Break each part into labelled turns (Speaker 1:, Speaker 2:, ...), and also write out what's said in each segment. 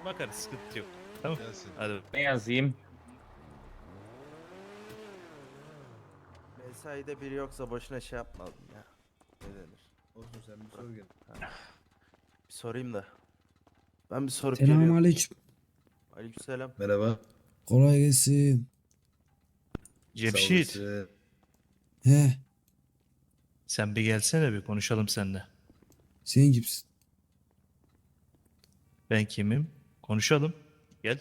Speaker 1: Bakarız, sıkıntı yok. Tamam.
Speaker 2: Gelsin.
Speaker 1: Hadi.
Speaker 3: Ne yazayım?
Speaker 4: Mesaide biri yoksa boşuna şey yapmadım ya. Ne denir?
Speaker 5: Olsun sen bir sor gel.
Speaker 4: Bir sorayım da. Ben bir sorup
Speaker 6: Selamun
Speaker 4: geliyorum.
Speaker 6: aleyküm.
Speaker 4: Aleykümselam.
Speaker 5: Merhaba.
Speaker 6: Kolay gelsin.
Speaker 1: Cemşit,
Speaker 5: Sağ olasın.
Speaker 6: He,
Speaker 1: sen bir gelsene, bir konuşalım seninle.
Speaker 6: sen kimsin?
Speaker 1: Ben kimim? Konuşalım. Gel.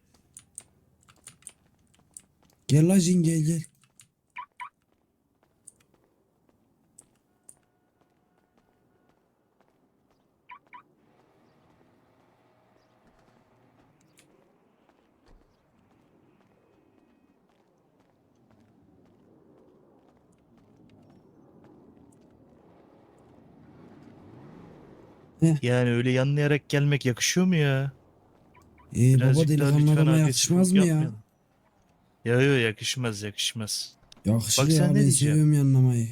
Speaker 6: Gel la cin gel.
Speaker 1: Yani öyle yanlayarak gelmek yakışıyor mu ya?
Speaker 6: Baba
Speaker 1: Birazcık daha
Speaker 6: delikanlı
Speaker 1: lütfen
Speaker 6: adama
Speaker 1: agresif
Speaker 6: yakışmaz mı ya?
Speaker 1: yapmayalım. Ya yakışmaz yakışmaz.
Speaker 6: Yakışır
Speaker 1: Bak sen
Speaker 6: ya
Speaker 1: ne
Speaker 6: ben
Speaker 1: diyeceğim?
Speaker 6: seviyorum yanlamayı.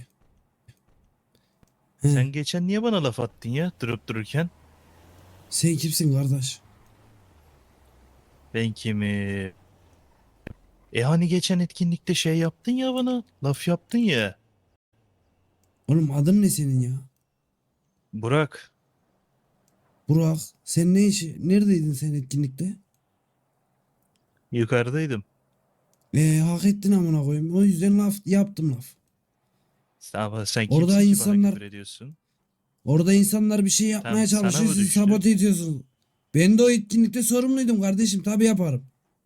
Speaker 6: He,
Speaker 1: Sen geçen niye bana laf attın ya durup dururken?
Speaker 6: sen kimsin kardeş?
Speaker 1: Ben kimi? Hani geçen etkinlikte şey yaptın ya bana. Laf yaptın ya.
Speaker 6: Oğlum adın ne senin ya?
Speaker 1: Burak.
Speaker 6: Burak. Sen ne işi? Neredeydin sen etkinlikte?
Speaker 1: Yukarıdaydım.
Speaker 6: Hak ettin amına koyayım. O yüzden laf yaptım laf.
Speaker 1: Sen
Speaker 6: Orada
Speaker 1: kimsin ki bana
Speaker 6: insanlar-
Speaker 1: küfür ediyorsun?
Speaker 6: Orada insanlar bir şey yapmaya
Speaker 1: Tamam, sana
Speaker 6: çalışıyor.
Speaker 1: mı
Speaker 6: Siz
Speaker 1: düştü?
Speaker 6: sabote ediyorsunuz. Ben de o etkinlikte sorumluydum kardeşim. Tabii yaparım.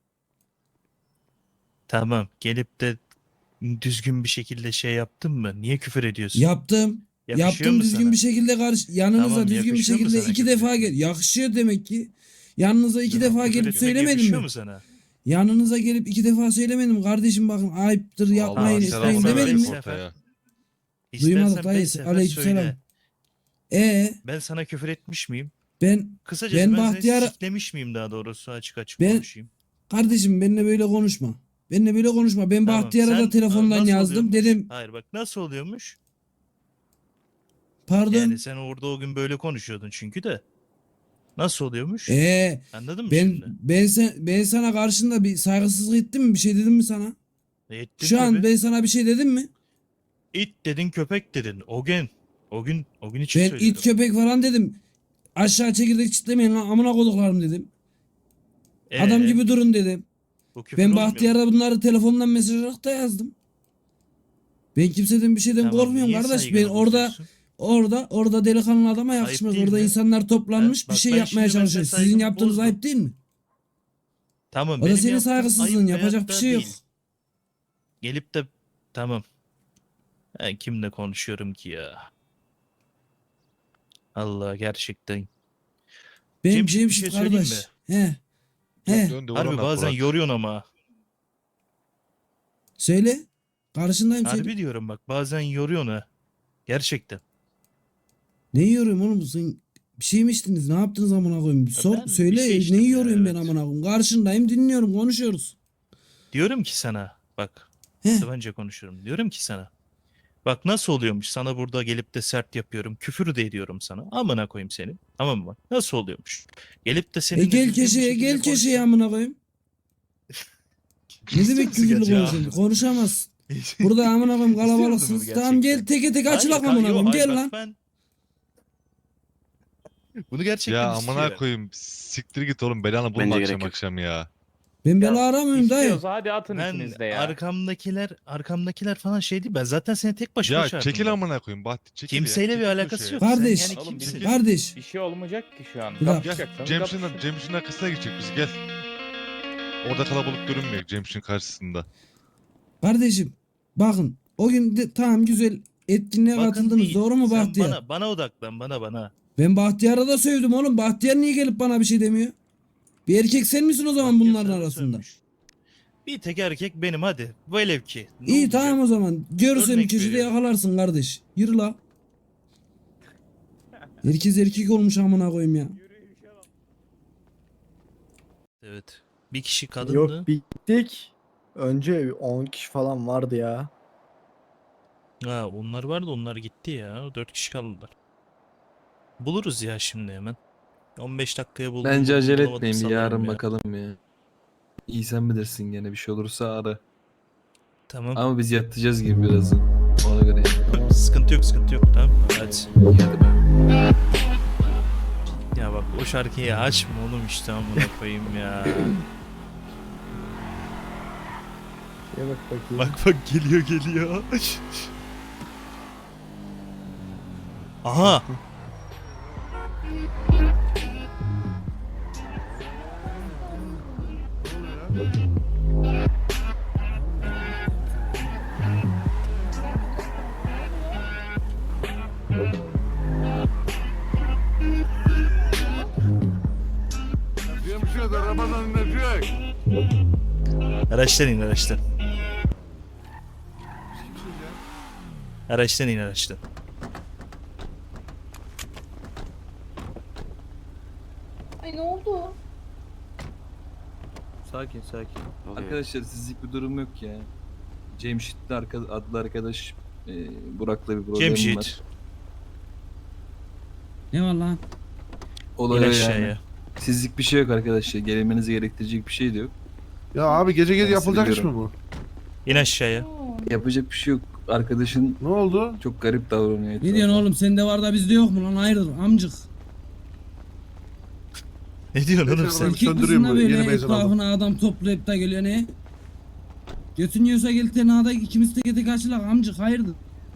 Speaker 1: Tamam, gelip de düzgün bir şekilde şey yaptın mı? Niye küfür ediyorsun?
Speaker 6: Yaptım.
Speaker 1: Yakışıyor
Speaker 6: Yaptım
Speaker 1: mu
Speaker 6: düzgün
Speaker 1: sana?
Speaker 6: bir şekilde yanınıza
Speaker 1: Tamam,
Speaker 6: düzgün bir
Speaker 1: yakışıyor mu
Speaker 6: şekilde
Speaker 1: sana
Speaker 6: iki
Speaker 1: küfür
Speaker 6: defa
Speaker 1: etmek?
Speaker 6: gel. Yakışıyor demek ki. Yanınıza iki
Speaker 1: Tamam,
Speaker 6: defa
Speaker 1: küfür
Speaker 6: gelip
Speaker 1: etmek
Speaker 6: söylemedim
Speaker 1: yakışıyor
Speaker 6: mi?
Speaker 1: mu sana?
Speaker 6: Yanınıza gelip iki defa söylemedim. Kardeşim bakın ayıptır yapmayın
Speaker 1: Allah
Speaker 6: etmeyin
Speaker 1: selam
Speaker 6: demedim mi?
Speaker 1: aleyküm.
Speaker 2: ortaya.
Speaker 6: Duymadık
Speaker 1: İstersen
Speaker 6: dayı.
Speaker 1: 5 sefer
Speaker 6: Aleykümselam.
Speaker 1: söyle. Ben sana küfür etmiş miyim?
Speaker 6: Ben
Speaker 1: Kısacası
Speaker 6: Ben
Speaker 1: ben seni
Speaker 6: Bahtiyar'a-
Speaker 1: siklemiş miyim, daha doğrusu açık açık
Speaker 6: Ben-
Speaker 1: konuşayım.
Speaker 6: kardeşim benimle böyle konuşma. Benimle böyle konuşma. Ben
Speaker 1: Tamam,
Speaker 6: Bahtiyar'a da
Speaker 1: sen-
Speaker 6: telefondan
Speaker 1: nasıl
Speaker 6: yazdım.
Speaker 1: oluyormuş?
Speaker 6: Dedim
Speaker 1: Hayır bak, nasıl oluyormuş?
Speaker 6: pardon.
Speaker 1: Yani sen orada o gün böyle konuşuyordun çünkü de. Nasıl oluyormuş? Anladın mı
Speaker 6: Ben
Speaker 1: şimdi?
Speaker 6: ben sana karşında bir saygısızlık ettim mi? Bir şey dedim mi sana?
Speaker 1: Ettin
Speaker 6: Şu an
Speaker 1: tabii.
Speaker 6: ben sana bir şey dedim mi?
Speaker 1: İt dedin, köpek dedin. O gün için
Speaker 6: Ben
Speaker 1: söyledim.
Speaker 6: it köpek falan dedim. Aşağı çekirdek çitlemeyin lan amına koduklarım dedim. Adam
Speaker 1: Ee,
Speaker 6: gibi durun dedim.
Speaker 1: bu küfür
Speaker 6: Ben
Speaker 1: olmuyor mu?
Speaker 6: Bahtiyar'a bunları telefondan mesaj olarak da yazdım. Ben kimseden bir şeyden
Speaker 1: Tamam,
Speaker 6: korkmuyorum
Speaker 1: niye
Speaker 6: kardeş.
Speaker 1: saygını
Speaker 6: Ben
Speaker 1: bozuyorsun?
Speaker 6: orada delikanlı adama yakışmaz.
Speaker 1: değil
Speaker 6: Orada
Speaker 1: mi?
Speaker 6: insanlar toplanmış
Speaker 1: Bak
Speaker 6: bir şey
Speaker 1: ben
Speaker 6: yapmaya
Speaker 1: şimdi mesela
Speaker 6: çalışıyor. Sizin
Speaker 1: saygımı
Speaker 6: yaptığınız
Speaker 1: bozdum.
Speaker 6: ayıp değil mi?
Speaker 1: Tamam,
Speaker 6: O da
Speaker 1: benim
Speaker 6: senin
Speaker 1: yaptığım
Speaker 6: saygısızlığın.
Speaker 1: ayıp
Speaker 6: Yapacak
Speaker 1: veyahut
Speaker 6: bir
Speaker 1: da
Speaker 6: şey yok.
Speaker 1: değil. Gelip de tamam. Ben kimle konuşuyorum ki ya? Allah, gerçekten.
Speaker 6: Ben
Speaker 1: Cemşit, bir
Speaker 6: Cemşit
Speaker 1: şey söyleyeyim
Speaker 6: kardeş. He. He.
Speaker 2: Dön de
Speaker 1: Harbi
Speaker 2: vurana
Speaker 1: bazen
Speaker 2: Burak.
Speaker 1: yoruyorsun ama.
Speaker 6: Söyle. Karşındayım söyle.
Speaker 1: Harbi diyorum bak, bazen yoruyorsun ha. Gerçekten.
Speaker 6: Ne yiyorum oğlum sen? Bir şey mi içtiniz? Ne yaptınız amına koyayım? Sor
Speaker 1: ben bir
Speaker 6: söyle
Speaker 1: şey
Speaker 6: ne
Speaker 1: içtim ya,
Speaker 6: yiyorum ben
Speaker 1: evet.
Speaker 6: amına koyayım? Karşındayım dinliyorum konuşuyoruz.
Speaker 1: Diyorum ki sana bak,
Speaker 6: He.
Speaker 1: Sıvanca konuşuyorum. Diyorum ki sana. Bak nasıl oluyormuş, sana burada gelip de sert yapıyorum. Küfür de ediyorum sana. Amına koyayım seni. Tamam mı? Nasıl oluyormuş? Gelip de seninle
Speaker 6: Gel
Speaker 1: düzgün bir
Speaker 6: köşeye
Speaker 1: şekilde
Speaker 6: gel köşeye
Speaker 1: konuşsam-
Speaker 6: amına koyayım. Ne demek küfürlü
Speaker 1: gerçekten?
Speaker 6: konuşuyorsun? Konuşamazsın. Burada amına koyayım
Speaker 1: İstiyor musun
Speaker 6: kalabalıksınız.
Speaker 1: bunu
Speaker 6: Tamam gel
Speaker 1: gerçekten?
Speaker 6: teke tek
Speaker 1: Hayır,
Speaker 6: açılak
Speaker 1: yo,
Speaker 6: amına koyayım.
Speaker 1: hayır,
Speaker 6: Gel
Speaker 1: bak
Speaker 6: lan.
Speaker 1: ben- Bunu gerçekten
Speaker 2: Ya
Speaker 1: istiyor.
Speaker 2: amına koyayım. Siktir git oğlum, belanı bulma
Speaker 4: Bence
Speaker 2: akşam
Speaker 4: gerek yok.
Speaker 2: akşam ya.
Speaker 6: Ben bela
Speaker 3: Ya,
Speaker 6: aramıyorum dayı.
Speaker 3: İstiyorsa hadi atın
Speaker 1: Ben
Speaker 3: ikiniz de ya.
Speaker 1: arkamdakiler falan şey değil. Ben zaten seni tek başıma
Speaker 2: Ya
Speaker 1: çağırdım
Speaker 2: çekil
Speaker 1: ben.
Speaker 2: amına koyayım Bahti, çekil ya.
Speaker 1: Kimseyle bir
Speaker 2: Çekil
Speaker 1: alakası
Speaker 2: köşeye.
Speaker 1: yok.
Speaker 6: Kardeş.
Speaker 1: Sen yani
Speaker 3: Oğlum,
Speaker 1: kimsin?
Speaker 6: Kardeş.
Speaker 3: Bir şey olmayacak ki şu an.
Speaker 6: Bir dakika.
Speaker 3: Kapışacaksanız
Speaker 2: Cemşin'in
Speaker 3: kapışın.
Speaker 2: Cemşin'in arkasına geçecek bizi, gel. Orada kalabalık görünmüyor Cemşin karşısında.
Speaker 6: Kardeşim bakın o gün tamam güzel etkinliğe
Speaker 1: Bakın
Speaker 6: katıldınız
Speaker 1: değil.
Speaker 6: doğru mu
Speaker 1: Sen
Speaker 6: Bahtiyar?
Speaker 1: bana odaklan, bana.
Speaker 6: Ben Bahtiyar'a da sövdüm oğlum. Bahtiyar niye gelip bana bir şey demiyor? Bir erkek sen misin o zaman
Speaker 1: Bak,
Speaker 6: bunların
Speaker 1: sana
Speaker 6: arasında?
Speaker 1: sövmüş. Bir tek erkek benim, hadi. Velev ki. Ne
Speaker 6: İyi
Speaker 1: olacak?
Speaker 6: tamam o zaman. Görürsen
Speaker 1: Örnek
Speaker 6: köşede
Speaker 1: veriyorum.
Speaker 6: yakalarsın kardeş. Yürü la. Herkes erkek olmuş amına koyayım ya.
Speaker 1: Evet. Bir kişi kadındı.
Speaker 7: Yok bittik. Önce 10 kişi falan vardı ya.
Speaker 1: Ha, onlar vardı, onlar gitti ya. 4 kişi kaldılar. Buluruz ya şimdi hemen. 15 dakikaya buldum.
Speaker 5: Bence
Speaker 1: buldum,
Speaker 5: acele
Speaker 1: bulamadım,
Speaker 5: etmeyin, bir
Speaker 1: salarım
Speaker 5: yarın
Speaker 1: ya.
Speaker 5: bakalım ya. İyi sen bilirsin, gene bir şey olursa ara.
Speaker 1: Tamam.
Speaker 5: Ama biz yatacağız gibi birazdan. Ona göre yani.
Speaker 1: Sıkıntı yok, sıkıntı yok. Tamam. Hadi.
Speaker 5: İyi, hadi be.
Speaker 1: Ya bak o şarkıyı açma oğlum işte amına koyayım ya.
Speaker 7: Şeye bak bakayım.
Speaker 1: Bak bak geliyor. Aha. Araçtan in araçtan. Araçtan in araçtan.
Speaker 8: Ay ne oldu?
Speaker 5: Sakin sakin. Arkadaşlar sizlik bir durum yok ya. Cemşit'le adlı arkadaş Burak'la bir problemim var.
Speaker 1: Cemşit.
Speaker 6: Ne var lan?
Speaker 1: İn
Speaker 5: Olay o yani.
Speaker 1: aşağıya.
Speaker 5: Sizlik bir şey yok arkadaşlar. Gelmenizi gerektirecek bir şey de yok.
Speaker 9: Ya abi gece
Speaker 5: Ben
Speaker 9: yapılacak iş mi
Speaker 5: seviyorum.
Speaker 9: bu?
Speaker 1: İn aşağıya.
Speaker 5: Yapacak bir şey yok. Arkadaşın
Speaker 9: Ne oldu?
Speaker 5: çok garip davranıyor.
Speaker 6: Ne diyorsun oğlum, sende var da bizde yok mu lan? Hayırdır amcık?
Speaker 1: Ne diyorsun oğlum
Speaker 9: Ben
Speaker 1: sen?
Speaker 6: Erkek
Speaker 9: söndüreyim
Speaker 6: kızına
Speaker 9: bu,
Speaker 6: böyle
Speaker 9: yeni benzin aldım.
Speaker 6: etrafına adam toplayıp da geliyor ne? Götün yiyorsa gel tenada ikimiz tek karşılak amcık, hayırdır?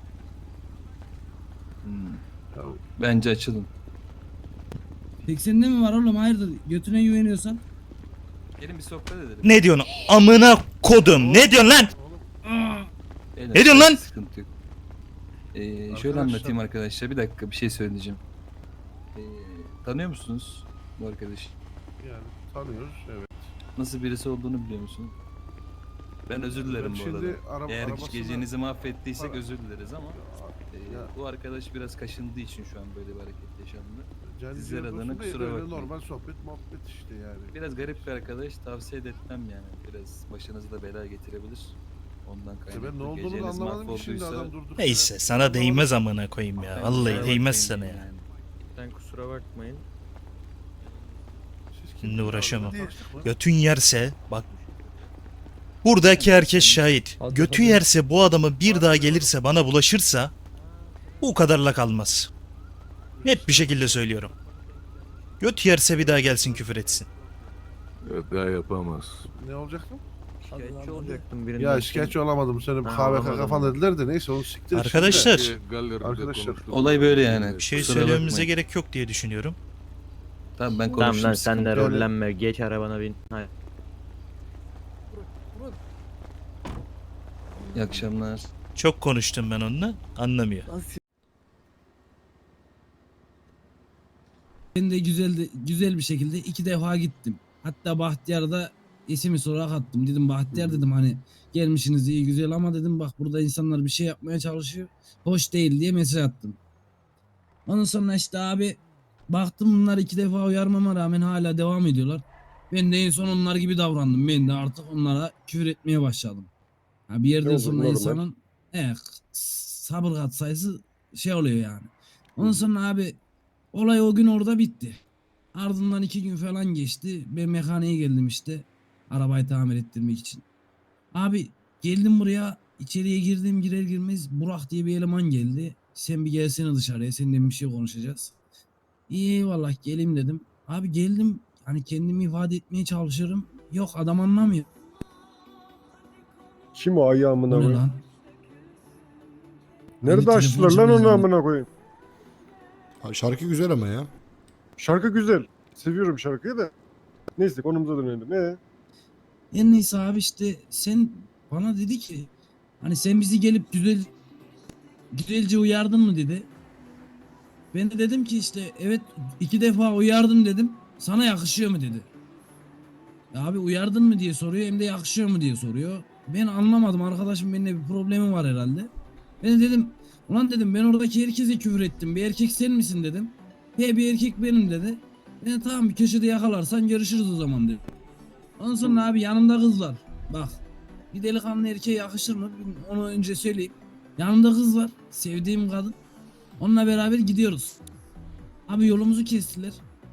Speaker 5: Bence açılın.
Speaker 6: Peki sende mi var oğlum, hayırdır? Götüne güveniyorsan.
Speaker 5: Gelin bir sohbet edelim.
Speaker 1: Ne diyorsun amına kodum? Ne diyorsun lan?
Speaker 5: Beyler,
Speaker 1: Ne diyorsun lan?
Speaker 5: Sıkıntı yok. Şöyle
Speaker 9: Arkadaşlar-
Speaker 5: anlatayım arkadaşlar. Bir dakika bir şey söyleyeceğim. Tanıyor musunuz bu arkadaşı?
Speaker 9: Yani tanıyoruz evet.
Speaker 5: Nasıl birisi olduğunu biliyor musun? Ben özür dilerim bu arada. Eğer
Speaker 9: arabasına-
Speaker 5: gecenizi mahvettiysek özür dileriz ama
Speaker 9: Ya,
Speaker 5: bu arkadaş biraz kaşındığı için şu an böyle bir hareket yaşandı.
Speaker 9: can
Speaker 5: sizler
Speaker 9: ciğer
Speaker 5: adına
Speaker 9: dostum değil,
Speaker 5: kusura
Speaker 9: öyle
Speaker 5: bakmayın.
Speaker 9: Normal sohbet muhabbet işte yani.
Speaker 5: Biraz garip bir arkadaş, tavsiye de etmem yani. Biraz başınızı da bela getirebilir. Ondan
Speaker 9: İşte
Speaker 5: kaynaklı.
Speaker 9: ben ne olduğunu da
Speaker 5: Geceniz
Speaker 9: anlamadım ki şimdi
Speaker 5: mahvolduysa
Speaker 9: adam durduk.
Speaker 1: Neyse sana değmez amına koyayım ya.
Speaker 5: ben
Speaker 1: Vallahi
Speaker 5: kusura
Speaker 1: değmez
Speaker 5: bakmayın
Speaker 1: sana ya.
Speaker 5: yani.
Speaker 3: Sen kusura bakmayın.
Speaker 1: Şimdi uğraşamam. Götün yerse bak. Buradaki herkes şahit. Götü yerse bu adamı bir daha gelirse bana bulaşırsa bu kadarla kalmaz. Net bir şekilde söylüyorum. Göt yerse bir daha gelsin küfür etsin.
Speaker 10: Evet, daha yapamaz.
Speaker 9: Ne olacaktı?
Speaker 3: Şikayetçi olacaktım birinden.
Speaker 9: Ya şikayetçi olamadım. Senin
Speaker 3: Ha,
Speaker 9: KVK
Speaker 3: olamadım.
Speaker 9: kafan dediler de neyse onu siktir.
Speaker 1: Arkadaşlar
Speaker 10: Galeride
Speaker 9: Arkadaşlar,
Speaker 10: konuştuk.
Speaker 5: olay böyle yani.
Speaker 1: bir şey
Speaker 5: Kusura
Speaker 1: söylememize
Speaker 5: bakmayın.
Speaker 1: gerek yok diye düşünüyorum.
Speaker 5: Tamam ben
Speaker 3: Tamam
Speaker 5: konuştum.
Speaker 3: lan sen de
Speaker 5: sıkıntı yok.
Speaker 3: rollenme. Geç arabana bin. Hadi.
Speaker 5: İyi akşamlar.
Speaker 1: Çok konuştum ben onunla. Anlamıyor.
Speaker 6: Ben de güzel bir şekilde 2 defa gittim. Hatta Bahtiyar'da ismi sorarak attım. Dedim Bahtiyar dedim, hani gelmişsiniz iyi güzel ama dedim bak burada insanlar bir şey yapmaya çalışıyor. Hoş değil diye mesaj attım. Ondan sonra işte abi baktım bunlar 2 defa uyarmama rağmen hala devam ediyorlar. Ben de en son onlar gibi davrandım. Ben de artık onlara küfür etmeye başladım. Ha, bir yerden sonra insanın sabır kat sayısı şey oluyor yani. Ondan sonra abi olay o gün orada bitti. Ardından 2 gün falan geçti. Ben mekaniğe geldim işte. Arabayı tamir ettirmek için. Abi geldim buraya. İçeriye girdim, girer girmez Burak diye bir eleman geldi. Sen bir gelsene dışarıya. Seninle bir şey konuşacağız. İyi eyvallah geleyim dedim. Abi geldim. Hani kendimi ifade etmeye çalışıyorum. Yok adam anlamıyor.
Speaker 11: Kim o ayağımına
Speaker 6: Bu ne
Speaker 11: koyayım?
Speaker 6: lan?
Speaker 11: Nerede
Speaker 6: Beni
Speaker 11: açtılar lan
Speaker 6: telefoncu
Speaker 11: onu
Speaker 6: bile
Speaker 11: amına koyayım?
Speaker 10: Şarkı güzel ama ya.
Speaker 11: Şarkı güzel. Seviyorum şarkıyı da. Neyse konumuza dönelim.
Speaker 6: En neyse abi işte sen bana dedi ki hani sen bizi gelip güzelce uyardın mı dedi. Ben de dedim ki işte evet 2 defa uyardım dedim. Sana yakışıyor mu dedi. Ya abi uyardın mı diye soruyor hem de yakışıyor mu diye soruyor. Ben anlamadım, arkadaşım benimle bir problemi var herhalde. Ben de dedim ulan dedim ben oradaki herkese küfür ettim. Bir erkek sen misin dedim. He bir erkek benim dedi. Ben de tamam bir köşede yakalarsan görüşürüz o zaman dedi. Ondan sonra abi yanımda kız var. Bak bir delikanlı erkeğe yakışır mı? Onu önce söyleyeyim. Yanımda kız var. Sevdiğim kadın. Onunla beraber gidiyoruz. Abi yolumuzu kestiler.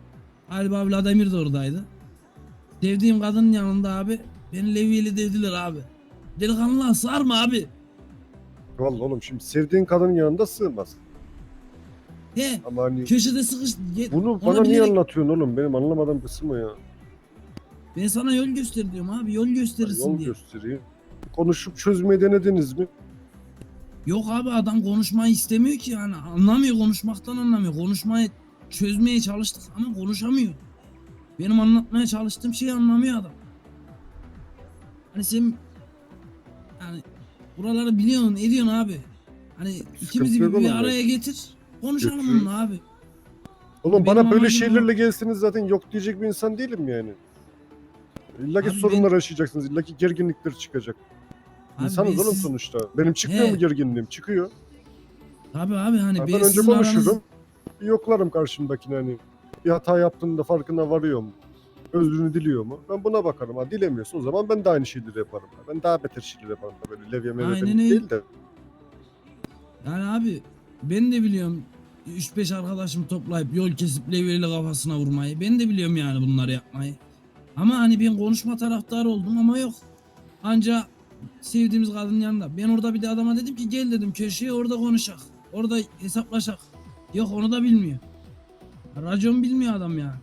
Speaker 6: Galiba Vladimir de oradaydı. Sevdiğim kadının yanında abi beni levyeyle dediler abi. Delikanlılığa sığar mı abi?
Speaker 11: Vallahi oğlum şimdi sevdiğin kadının yanında sığmaz.
Speaker 6: He
Speaker 11: Ama hani
Speaker 6: köşede sıkış.
Speaker 11: bunu
Speaker 6: Ona
Speaker 11: bana niye
Speaker 6: bilerek-
Speaker 11: anlatıyorsun oğlum? Benim anlamadığım kısmı ya.
Speaker 6: Ben sana yol göster diyorum abi, yol gösterirsin
Speaker 11: Yol
Speaker 6: diye.
Speaker 11: göstereyim. Konuşup çözmeyi denediniz mi?
Speaker 6: Yok abi adam konuşmayı istemiyor ki yani anlamıyor, konuşmaktan anlamıyor. Konuşmayı çözmeye çalıştık ama konuşamıyor. Benim anlatmaya çalıştığım şeyi anlamıyor adam. Hani sen yani buraları biliyorsun, ediyorsun abi. Hani ikimizi
Speaker 11: yok
Speaker 6: bir
Speaker 11: oğlum
Speaker 6: araya getir. Konuşalım
Speaker 11: Götürün.
Speaker 6: bununla abi.
Speaker 11: Oğlum
Speaker 6: Benim
Speaker 11: bana böyle
Speaker 6: amacım o.
Speaker 11: şeylerle gelseniz zaten yok diyecek bir insan değilim yani. İlla ki
Speaker 6: Abi
Speaker 11: sorunlar yaşayacaksınız. İlla ki gerginlikler çıkacak.
Speaker 6: Abi
Speaker 11: İnsanız
Speaker 6: ben
Speaker 11: oğlum
Speaker 6: siz-
Speaker 11: sonuçta. Benim çıkmıyor
Speaker 6: He.
Speaker 11: mu gerginliğim? Çıkıyor.
Speaker 6: Tabii abi hani
Speaker 11: Ben
Speaker 6: ben
Speaker 11: önce
Speaker 6: sizin aranız...
Speaker 11: konuşurum. Bir yoklarım karşımdakini hani. Bir hata yaptığında farkına varıyor mu? Özrünü diliyor mu? Ben buna bakarım. Ha dilemiyorsa o zaman ben de aynı şeyleri yaparım. Ben daha beter şeyler yaparım. Böyle levye mevye
Speaker 6: Aynen
Speaker 11: demek
Speaker 6: öyle.
Speaker 11: değil de.
Speaker 6: Yani abi ben de biliyorum 3-5 arkadaşım toplayıp yol kesip levyeyle kafasına vurmayı. Ben de biliyorum yani bunları yapmayı. Ama hani ben konuşma taraftarı oldum ama yok. Anca sevdiğimiz kadının yanında. Ben orada bir de adama dedim ki gel dedim köşeye orada konuşak. Orada hesaplaşak. Yok onu da bilmiyor. Racon bilmiyor adam ya.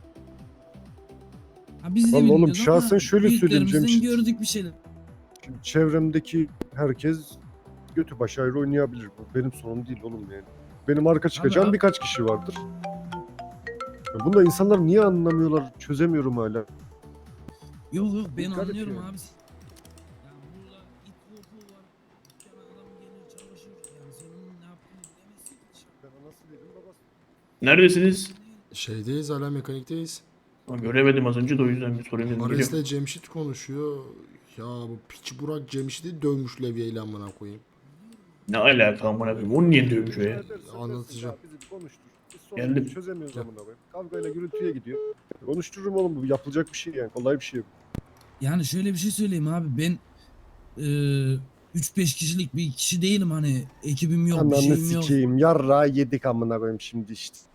Speaker 6: Ha biz de
Speaker 11: Vallahi oğlum,
Speaker 6: bilmiyoruz ama
Speaker 11: şahsen şöyle söyleyeyim
Speaker 6: büyüklerimizden
Speaker 11: Cemşit.
Speaker 6: gördük bir şeyler.
Speaker 11: Şimdi çevremdeki herkes götü başı ayrı oynayabilir. Bu benim sorunum değil oğlum yani. Benim arka çıkacağım
Speaker 6: abi-
Speaker 11: birkaç kişi vardır. Ya bunu da insanlar niye anlamıyorlar çözemiyorum hala.
Speaker 6: Yok yok ben
Speaker 11: Dikkat et
Speaker 6: anlıyorum
Speaker 11: yani.
Speaker 6: abi. Ya burada it kopuğu var. Dükkana adam gelir çalışır. Yani sen onun ne yaptığını bilemezsin ki dışarıda.
Speaker 11: Ben nasıl dedim babası.
Speaker 12: Neredesiniz?
Speaker 10: Şeydeyiz, hala mekanikteyiz.
Speaker 12: Göremedim az önce de o yüzden bir sorayım dedim. Geliyorum.
Speaker 10: Ares'le Cemşit konuşuyor. Ya bu piç Burak Cemşit'i dövmüş levyeyle amına koyayım.
Speaker 12: Ne alaka amına koyayım? Onu niye dövmüş o ya?
Speaker 10: Anlatacağım.
Speaker 11: Bizi bir konuştur. Biz sorunu
Speaker 12: Geldim.
Speaker 11: çözemiyoruz
Speaker 10: Gel.
Speaker 11: amına koyayım. Kavgayla gürültüye gidiyor. Konuştururum oğlum, bu yapılacak bir şey yani. Kolay bir şey.
Speaker 6: Yani şöyle bir şey söyleyeyim abi ben 3-5 kişilik bir kişi değilim hani ekibim yok bir
Speaker 11: Ananı
Speaker 6: şeyim yok.
Speaker 11: sikeyim. Yarrağı yedik amına koyayım şimdi işte.